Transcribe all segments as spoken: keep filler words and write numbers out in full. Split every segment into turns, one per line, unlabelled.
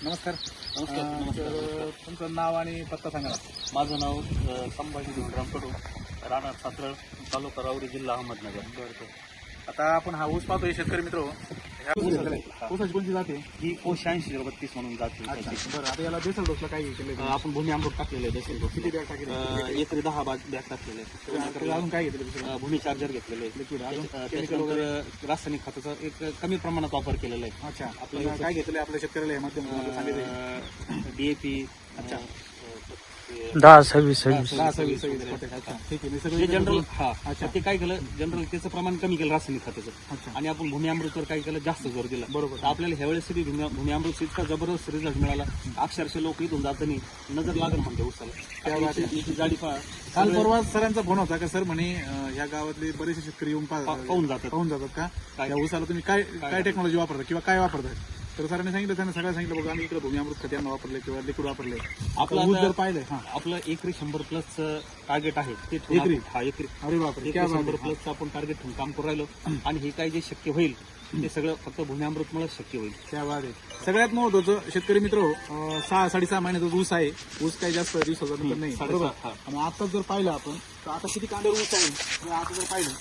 नमस्कार.
नमस्कार.
अं,
नमस्कार.
तर तुमचं नाव आणि पत्ता सांगा.
माझं नाव अ, संभाजी धोंडराम कडू, राहणार सातरळ, तालुका राऊरी, जिल्हा अहमदनगर.
बरं. आता आपण हा ऊस पाहतोय शेतकरी मित्र. ह्या
ऊस
ऊसाकडे
हा.
ऊसाची कोणती जाते?
ही कोश ऐंशी बत्तीस म्हणून जाते.
अच्छा
त्याची.
बरं. आता याला बेसल डोसला काय केलं?
अ, आपण भूमी अमृत टाकलेलं आहे देशील
किती बॅग टाकले?
एकरी दहा बॅग बॅग टाकलेले
त्याला अजून काय घेतलं दुसरं?
आहे. भूमी चार्जर घेतलेलं आहे.
लिक्विड अजून
त्याच्या-
केमिकल वगैरे?
त्याच्यानंतर रासायनिक खताचा एक कमी प्रमाणात वापर केलेला आहे.
अच्छा.
आपल्याला
आपल्याला काय घेतलं आपल्या शेतकऱ्याला माध्यम सांगितलं?
डीएपी.
अच्छा.
दहा सव्वीस सव्वीस
दहा सव्वीस सव्वीस पोटॅश. अच्छा ठीक आहे. मी
जे
सगळं
जनरल हा
अच्छा.
ते काय केलं जनरल त्याचं प्रमाण कमी केलं रासायनिक खताचं.
अच्छा.
आणि आपण भूमी अमृतवर काय केलं जास्त जोर दिला.
बरोबर.
तर आपल्याला ह्यावेळेस तरी भूमी भूमी अमृत इतका जबरदस्त रिझल्ट मिळाला. अक्षरशः लोक इथून जातानी नजर लागल म्हणते उसाला.
त्या वाटी-
याची- याची जाडी पहा.
काल
सगळं
परवा सरांचा फोन होता का सर म्हणे अं, ह्या गावातले बरेचसे शेतकरी येऊन पा-
पा- पाहून जातात.
पाहून जातात का
काय-
या ऊसाला तुम्ही काय काय
काय
टेक्नॉलॉजी वापरता किंवा काय वापरताय? तर सरांनी सांगितलं त्यांना सगळं सांगितलं बघा आम्ही इकडे भूमी अमृत खत वापरले किंवा लिक्विड वापरले.
आपलं
ऊस
आता-
जर पाहिलंय हा
आपलं एकरी शंभर प्लस टार्गेट आहे ते ठेवून
एकरी?
आपण- हा एकरी
अरे बापरे
एकरी
क्या बात
शंभर
आहे.
प्लस आपण टार्गेट ठेवून काम करू राहिलो. आणि हे काय जे शक्य होईल ते सगळं फक्त भूमी अमृतमुळे शक्य होईल.
त्या बात आहे. सगळ्यात महत्वाचं शेतकरी मित्र अं, सहा साडेसहा महिन्याचा ऊस आहे. ऊस काही जास्त दिवसाचा नंतर नाही
साडेसहा,
बरोबर.
हा.
आणि आता जर पाहिलं आपण तर आता किती कांड्यावर ऊस आहे आणि आता जर पाहिलं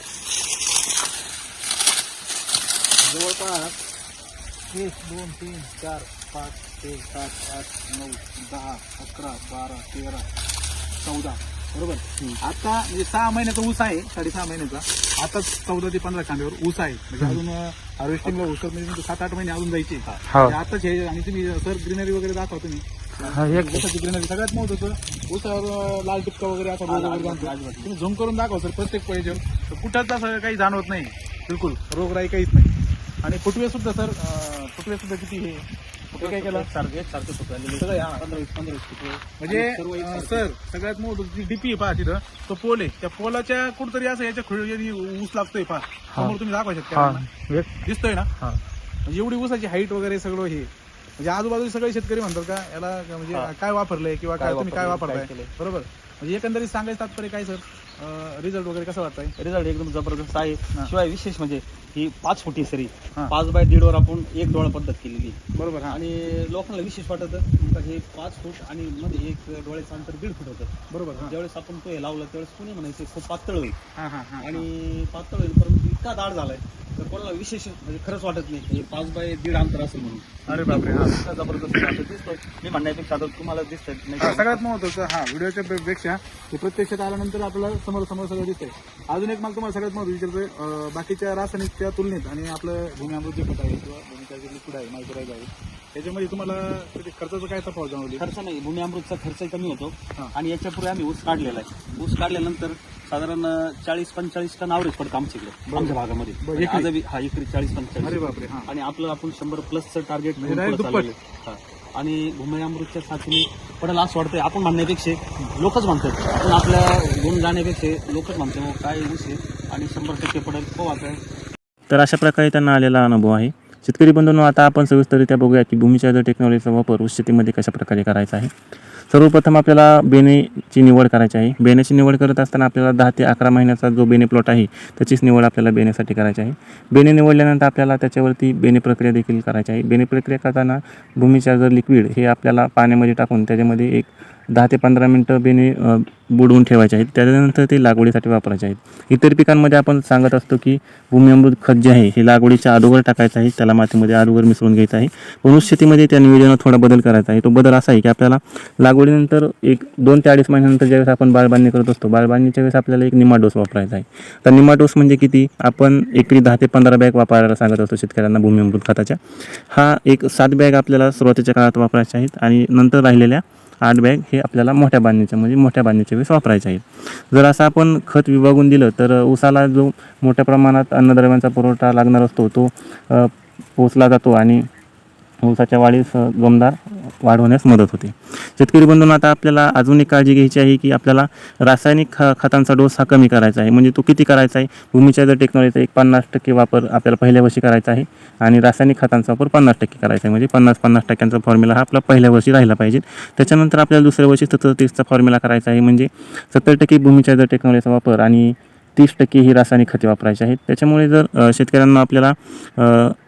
जवळपास एक दोन तीन चार पाच छे सात आठ नऊ दहा अकरा बारा तेरा चौदा बरोबर. आता म्हणजे सहा महिन्याचा ऊस आहे साडेसहा महिन्याचा. आता चौदा ते पंधरा कांड्यावर ऊस आहे. म्हणजे अजून हार्वेस्टिंगला ऊस म्हणजे सात आठ महिने अजून जायचे.
हो.
म्हणजे आताच हे आणि तुम्ही सर ग्रीनरी वगैरे दाखवा तुम्ही.
हा, एक
ऊसाची ग्रीनरी सगळ्यात महत्वाचं ऊसावर अं, लाल टिपका वगैरे असा रोग वगैरे जाणतो. तुम्ही झूम करून दाखवा सर प्रत्येक पाहिजे कुठंच असं काही जाणवत नाही. बिलकुल रोगराई काहीच नाही. आणि फुटवे सुद्धा सर अं, फुटवे सुद्धा किती हे हे काय केलं
सारखं एक सारखं सुकलेलं
सगळं हा.
पंधरा वीस पंधरा वीस फुटवे.
म्हणजे
आणि सर्व एक
अं,
सारखं.
सर सगळ्यात महत्वाची डीपी आहे पहा तिथं तो पोल आहे. त्या पोलाच्या कुठतरी असं याच्या खुळी ऊस लागतोय पहा समोर तुम्ही दाखवा शकता
हा एक
दिसतोय ना.
हा
म्हणजे एवढी ऊसाची हाईट वगैरे सगळं हे म्हणजे आजूबाजूचे सगळे शेतकरी म्हणतात का याला म्हणजे
हा.
काय वापरलंय किंवा काय
काय
तुम्ही काय
वापरलंय,
वापरताय
काय केलंय.
बरोबर. म्हणजे एकंदरीत सांगायचं तात्पर्य काय सर रिझल्ट वगैरे कसं वाटतंय?
रिझल्ट एकदम जबरदस्त आहे.
हा.
शिवाय विशेष म्हणजे ही पाच फुटी सरी
हा.
पाच बाय दीड वर आपण एक डोळा पद्धत केलेली.
बरोबर. हा
आणि लोकांना विशेष वाटत हे पाच फूट आणि मध्ये एक डोळ्याचं अंतर दीड फूट होतं.
बरोबर. हा
ज्यावेळेस आपण तो हे लावलं त्यावेळेस कोणी म्हणायचं खूप पातळ होईल
हा हा हा
आणि पातळ होईल परंतु इतका दाट झालाय तर कोणाला विशेष म्हणजे खरंच वाटत नाही हे पाच बाय दीड अंतर असेल म्हणून.
अरे बापरे. हा
इतका जबरदस्त असं दिसतो. मी म्हणण्यापेक्षा आता तुम्हाला दिसतंय
हा,
नाही.
सगळ्यात महत्वाचं हा व्हिडिओच्या पे- पेक्षा हे प्रत्यक्षात आल्यानंतर आपल्याला समोर समोर सगळं दिसतंय. अजून एक मला तुम्हाला सगळ्यात महत्त्वाचं विचारतोय अं, बाकीच्या रासायनिकच्या तुलनेत आणि आपलं भूमी अमृत जे खत आहे किंवा भूमीचा जे लिक्विड आहे मायक्रोराईज आहे त्याच्यामध्ये तुम्हाला त्याच्या खर्चाचं काय तफावत जाणवली?
खर्च नाही भूमी अमृतचा खर्च कमी होतो.
हा.
आणि याच्यापूर्वी आम्ही ऊस काढलेला आहे. ऊस काढल्यानंतर साधारण चाळीस पंचेचाळीस टन आवरेज पडतं आमच्याकडे आमच्या भागामध्ये.
बरं,
आणि
एकरी?
आजही हा एकरी चाळीस
अरे
पंचेचाळीस.
बापरे. हा
आणि आपलं आपण शंभर प्लसचं टार्गेट
म्हणजे direct दुप्पट.
आणि भूमी अमृतच्या साथीने पडेल असं वाटतंय. आपण म्हणण्यापेक्षा लोकच म्हणतात पण आपल्या गुण जाण्यापेक्षा लोकच म्हणतात "हो, काय ऊस आहे आणि शंभर टक्के पडेल हो आता."
तर अशा प्रकारे त्यांना आलेला अनुभव आहे. शेतकरी बंधूंनो, आता आपण सविस्तररित्या बघूया की भूमी चार्जर टेक्नॉलॉजीचा वापर ऊस शेतीमध्ये कशा प्रकारे करायचा आहे. सर्वप्रथम आपल्याला बेनेची निवड करायची आहे. बेण्याची निवड करत असताना आपल्याला दहा ते अकरा महिन्याचा जो बेने प्लॉट आहे त्याचीच निवड आपल्याला बेण्यासाठी करायची आहे. बेने निवडल्यानंतर आपल्याला त्याच्यावरती बेने प्रक्रिया देखील करायची आहे. बेने प्रक्रिया करताना भूमी चार्जर लिक्विड हे आपल्याला पाण्यामध्ये टाकून त्याच्यामध्ये एक दहा ते पंधरा मिनटं बेने अ, बुडवून ठेवायचे आहेत. त्याच्यानंतर ते लागवडीसाठी वापरायचे आहेत. इतर पिकांमध्ये आपण सांगत असतो की भूमी अमृत खत जे आहे हे लागवडीच्या अगोदर टाकायचं आहे. त्याला मातीमध्ये अगोदर मिसळून घ्यायचं आहे. पण ऊस शेतीमध्ये त्या नियोजनात थोडा बदल करायचा आहे. तो बदल असा आहे की आपल्याला लागवडीनंतर एक दोन ते अडीच महिन्यानंतर ज्यावेळेस आपण बाळबांधणी करत असतो बाळबांधणीच्या वेळेस आपल्याला एक निमा डोस वापरायचा आहे. तर निमा डोस म्हणजे किती? आपण एकरी दहा ते पंधरा बॅग वापरायला सांगत असतो शेतकऱ्यांना भूमी अमृत खताच्या. हा एक सात बॅग आपल्याला सुरुवातीच्या काळात वापरायच्या आहेत आणि नंतर राहिलेल्या आठ बॅग हे आपल्याला मोठ्या बांधणीच्या म्हणजे मोठ्या बांधणीच्या वेळेस वापरायचे आहेत. जर असं आपण खत विभागून दिलं तर ऊसाला जो मोठ्या प्रमाणात अन्नद्रव्यांचा पुरवठा लागणार असतो तो अ, पोचला जातो आणि ऊसाच्या वाढीस अ, जोमदार वाढ होण्यास मदत होते. शेतकरी बंधूंनो, आता आपल्याला अजून एक काळजी घ्यायची आहे की आपल्याला रासायनिक ख खतांचा डोस हा कमी करायचा आहे. म्हणजे तो किती करायचा आहे? भूमी चार्जर टेक्नॉलॉजीचा एक पन्नास टक्के वापर आपल्याला पहिल्या वर्षी करायचा आहे आणि रासायनिक खतांचा वापर पन्नास टक्के करायचा आहे. म्हणजे पन्नास पन्नास टक्क्यांचा फॉर्म्युला हा आपला पहिल्या वर्षी राहिला पाहिजे. त्याच्यानंतर आपल्याला दुसऱ्या वर्षी सत्तर तीसचा फॉर्म्युला करायचा आहे. म्हणजे सत्तर टक्के भूमी चार्जर टेक्नॉलॉजीचा वापर आणि तीस टक्के ही रासायनिक खते वापरायची आहेत. त्याच्यामुळे जर अ, शेतकऱ्यांना आपल्याला अ,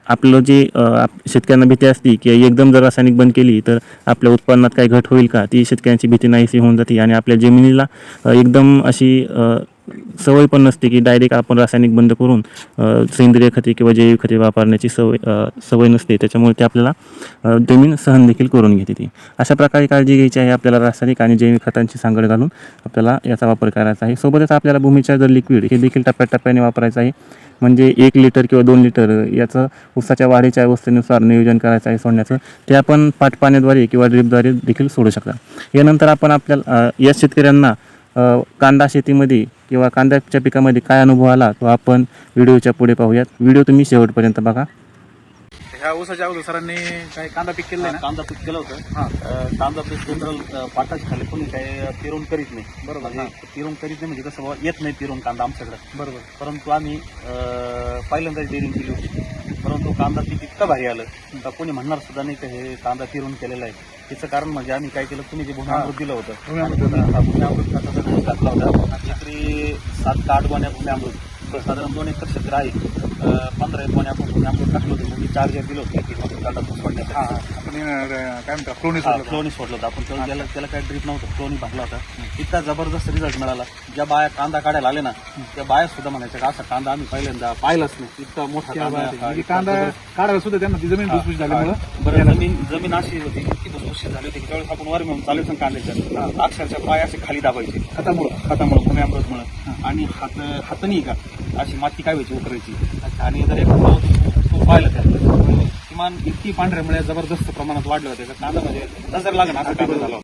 आपलं जे अ, आप- शेतकऱ्यांना भीती असते की एकदम जर रासायनिक बंद केली तर आपल्या उत्पन्नात काही घट होईल का, ती शेतकऱ्यांची भीती नाहीशी होऊन जाते आणि आपल्या जमिनीला अ, एकदम अशी अ, सवय पण नसते की डायरेक्ट आपण रासायनिक बंद करून अ, सेंद्रिय खते किंवा जैविक खते वापरण्याची सवय अ, सवय नसते. त्याच्यामुळे ते आपल्याला अ, जमीन सहन देखील करून घेते ती. अशा प्रकारे काळजी घ्यायची आहे आपल्याला. रासायनिक आणि जैविक खतांची सांगड घालून आपल्याला याचा वापर करायचा आहे. सोबतच आपल्याला भूमीच्या जर लिक्विड हे देखील टप्प्याटप्प्याने वापरायचं आहे. म्हणजे एक लिटर किंवा दोन लिटर याचं ऊसाच्या वाढीच्या अवस्थेनुसार नियोजन करायचं आहे सोडण्याचं. ते आपण पाटपाण्याद्वारे किंवा ड्रीपद्वारे देखील सोडू शकता. यानंतर आपण आपल्याला अ, या शेतकऱ्यांना अ, कांदा शेतीमध्ये किंवा कांद्याच्या पिकामध्ये काय अनुभव आला तो आपण व्हिडिओच्या पुढे पाहूयात. व्हिडिओ तुम्ही शेवटपर्यंत बघा.
ह्या ऊसाच्या अगोदर सरांनी काही कांदा पीक केलं ना.
कांदा पीक केलं होतं.
हां.
अं, कांदा पीक जनरल पाटाच्या खाली कोणी काही पेरून करीत नाही.
बरोबर.
म्हणजे पेरून करीत नाही म्हणजे कसं बाबा येत नाही पेरून कांदा आमच्याकडे.
बरोबर.
परंतु आम्ही अं, पहिल्यांदाच डेअरिंग केली होती. परंतु कांदा पीक इतकं भारी आलं का कोणी म्हणणार सुद्धा नाही का हे कांदा पेरून केलेलं आहे. त्याचं कारण म्हणजे आम्ही काय केलं, तुम्ही जे भूम्यामृत दिलं होतं,
भूम्यामृत.
हा, भूम्यामृत खताचा डोस घातला होता. एकरी सात का आठ गोण्या भूम्यामृत, साधारण दोन एकर क्षेत्र आहे. अं, पंधरा एक गोण्या आपण भूम्यामृत टाकलं होतं. म्हणजे चार्जर दिलं होतं एक एक कांदा सोडण्यासाठी.
हां आपण अं, काय म्हणतात फ्लोनी
हा,
सोडलं.
फ्लोनी सोडलं होतं आपण. तर त्याला त्याला काय ड्रीप नव्हतं, फ्लोनी भरला होता. इतका जबरदस्त रिझल्ट मिळाला. ज्या बाया कांदा काढायला आले ना त्या बाया सुद्धा म्हणायच्या का असा कांदा आम्ही पहिल्यांदा पाहिलाच नाही. इतका मोठा
क्या
कांदा
बात आहे.
हा,
म्हणजे
इतका
कांदा
जबरदस्त.
काढायला सुद्धा त्यांना ती जमीन भुसभुशीत झाल्यामुळं
बरं, जमीन जमीन अशी होती, इतकी भुसभुशीत झाली होती की त्यावेळेस आपण वर मिळून चालायचं ना कांद्याच्या, अक्षरशः पाय असे खाली दाबायचे
खतामुळं.
खतामुळं, भूम्यामृतमुळं. आणि हात हातानी का अशी माती काय व्हायची उकरायची. आणि जर एक तो पाहिलं त्यात किमान इतकी पांढऱ्या मुळे जबरदस्त प्रमाणात वाढले होते का कांदा म्हणजे नजर लागणं असं कांदा झाला होता.